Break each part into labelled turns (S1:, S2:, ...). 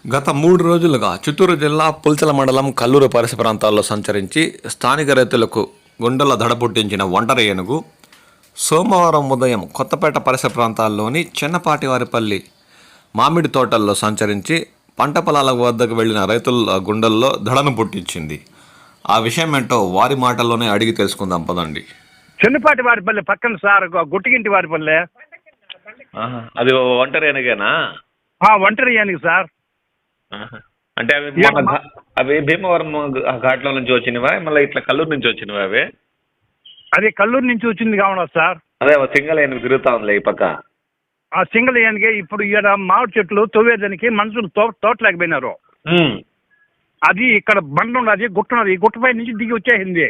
S1: గత 3 రోజులుగా చిత్తూరు జిల్లా పుల్చల మండలం కల్లూరు పరిసర ప్రాంతాల్లో సంచరించి స్థానిక రైతులకు గుండెల దడ పుట్టించిన ఒంటరి ఏనుగు సోమవారం ఉదయం కొత్తపేట పరిసర ప్రాంతాల్లోని చిన్నపాటివారిపల్లి మామిడి తోటల్లో సంచరించి పంట పొలాల వద్దకు వెళ్లిన రైతుల గుండెల్లో దడను పుట్టించింది. ఆ విషయం ఏంటో వారి మాటల్లోనే అడిగి తెలుసుకుందాం పదండి.
S2: చిన్నపాటి వారిపల్లి పక్కన సార్ గుట్టిగింటి వారిపల్లి.
S1: అది ఒంటరి ఏనుగేనా?
S2: ఒంటరి ఏనుగు సార్.
S1: అంటే అవి భీమవరం ఘాట్లో నుంచి వచ్చినవా, మళ్ళీ ఇట్లా కల్లూరు నుంచి వచ్చినవా? అవి
S2: అది కల్లూరు నుంచి వచ్చింది కావడం సార్.
S1: అదే సింగల్ ఏనుగు తిరుగుతా ఉంది ఈ పక్క.
S2: ఆ సింగల్ ఏనుగే ఇప్పుడు ఇక్కడ మామిడి చెట్లు తవ్వేదానికి మనుషులు తోటలేకపోయినారు. అది ఇక్కడ బండ ఉన్నది, గుట్ట ఉన్నది, ఈ గుట్టపై నుంచి దిగి వచ్చేసింది.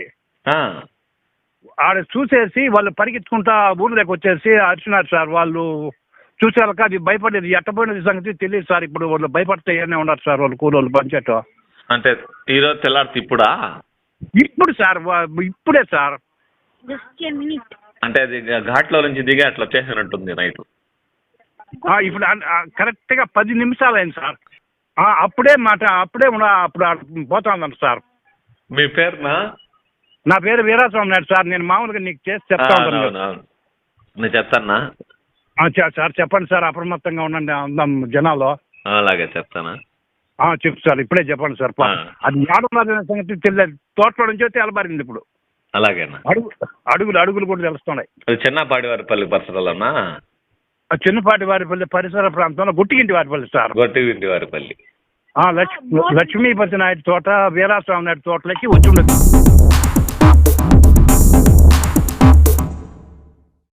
S2: ఆడ చూసేసి వాళ్ళు పరిగెత్తుకుంటా ఊరి దగ్గర వచ్చేసి అరిచినారు సార్. వాళ్ళు చూసేవాళ్ళకి అది భయపడేది, ఎట్టపోయినది సంగతి తెలియదు సార్. ఇప్పుడు వాళ్ళు భయపడితే ఏమైనా ఉన్నారు సార్ వాళ్ళు కూలోళ్ళు పంచాయతీ.
S1: అంటే ఈరోజు తెల్లారితే ఇప్పుడా?
S2: ఇప్పుడు సార్, ఇప్పుడే సార్.
S1: అంటే అది ఘాట్లో నుంచి దిగి అట్లా వచ్చేసినట్టుంది నైట్.
S2: ఇప్పుడు కరెక్ట్గా 10 నిమిషాలు అయింది సార్. అప్పుడే అప్పుడు పోతా ఉన్నాను సార్.
S1: మీ పేరునా?
S2: నా పేరు వీరాస్వామి నాయుడు సార్. నేను మామూలుగా నీకు చేసి చెప్తా ఉంటాను.
S1: నేను చెప్తానా
S2: సార్? చెప్పండి సార్, అప్రమత్తంగా ఉండండి అందాం జనాలు.
S1: అలాగే చెప్తానా?
S2: చెప్పు సార్, ఇప్పుడే చెప్పండి సార్. అది ఏడున్నది సంగతి తెలియదు, తోటలో నుంచి అయితే అలబారింది ఇప్పుడు.
S1: అలాగేనా?
S2: అడుగులు కూడా తెలుస్తున్నాయి.
S1: చిన్నపాటి వారిపల్లి పరిసరాలన్నా?
S2: చిన్నపాటి వారిపల్లి పరిసర ప్రాంతంలో గుట్టిగింటి వారిపల్లి సార్.
S1: గుట్టిగింటి వారిపల్లి.
S2: లక్ష్మీపతి నాయుడు తోట, వీరాస్వామి నాయుడు తోటలకి వచ్చి ఉండదు.